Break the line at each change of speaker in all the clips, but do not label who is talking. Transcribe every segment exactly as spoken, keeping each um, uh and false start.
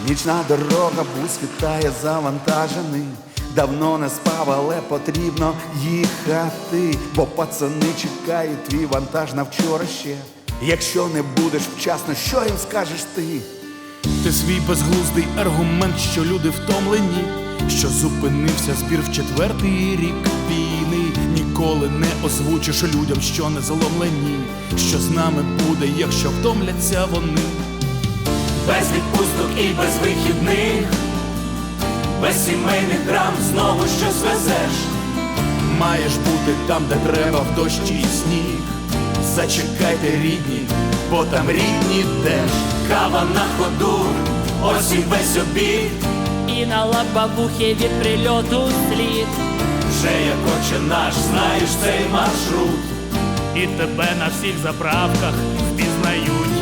Нічна дорога, бус вітає завантажений. Давно не спав, але потрібно їхати, бо пацани чекають твій вантаж на вчора ще. Якщо не будеш вчасно, що їм скажеш ти?
Ти свій безглуздий аргумент, що люди втомлені, що зупинився збір в четвертий рік війни. Ніколи не озвучиш людям, що не заломлені, що з нами буде, якщо втомляться вони.
Без відпусток і без вихідних, без сімейних драм знову щось везеш.
Маєш бути там, де треба, в дощ і сніг. Зачекайте, рідні, бо там рідні теж.
Кава на ходу, ось і весь обід.
І на лабабухі від прильоту слід.
Вже як отче наш, знаєш цей маршрут.
І тебе на всіх заправках впізнають.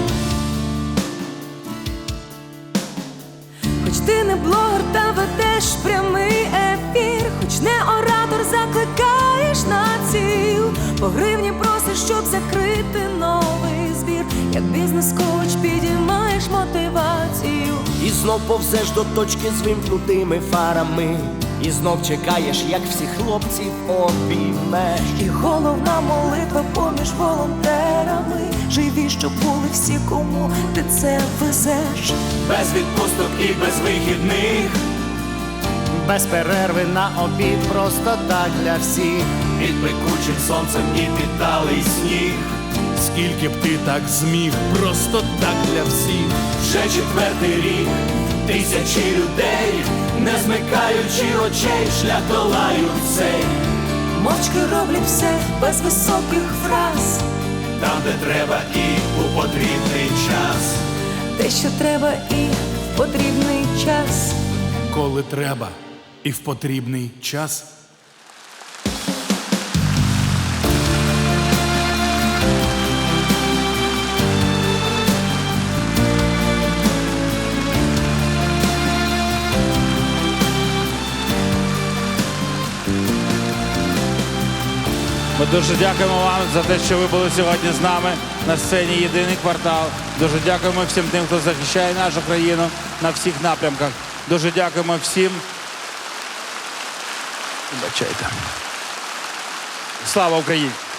Хоч ти не блогер, та ведеш прямий ефір, хоч не оратор, закликаєш на ціл, по гривні просиш, щоб закрити новий збір. Як бізнес-коуч підіймаєш мотивацію.
І знов повзеш до точки з вимкнутими фарами, і знов чекаєш, як всіх хлопців обіймеш.
І головна молитва поміж волонтерами: живі, щоб були всі, кому ти це везеш.
Без відпусток і без вихідних,
Без перерви на обід, просто так для всіх.
під пекучим сонцем і під талий сніг.
Скільки б ти так зміг, просто так для всіх.
Вже четвертий рік, тисячі людей, не змикаючи очей, шлях долають цей.
Мовчки роблять все без високих фраз,
Там, де треба і у потрібний час.
те, що треба, і в потрібний час.
Коли треба і в потрібний час.
Ми дуже дякуємо вам за те, що ви були сьогодні з нами на сцені «Єдиний квартал». Дуже дякуємо всім тим, хто захищає нашу країну на всіх напрямках. Дуже дякуємо всім. Вибачайте. Слава Україні!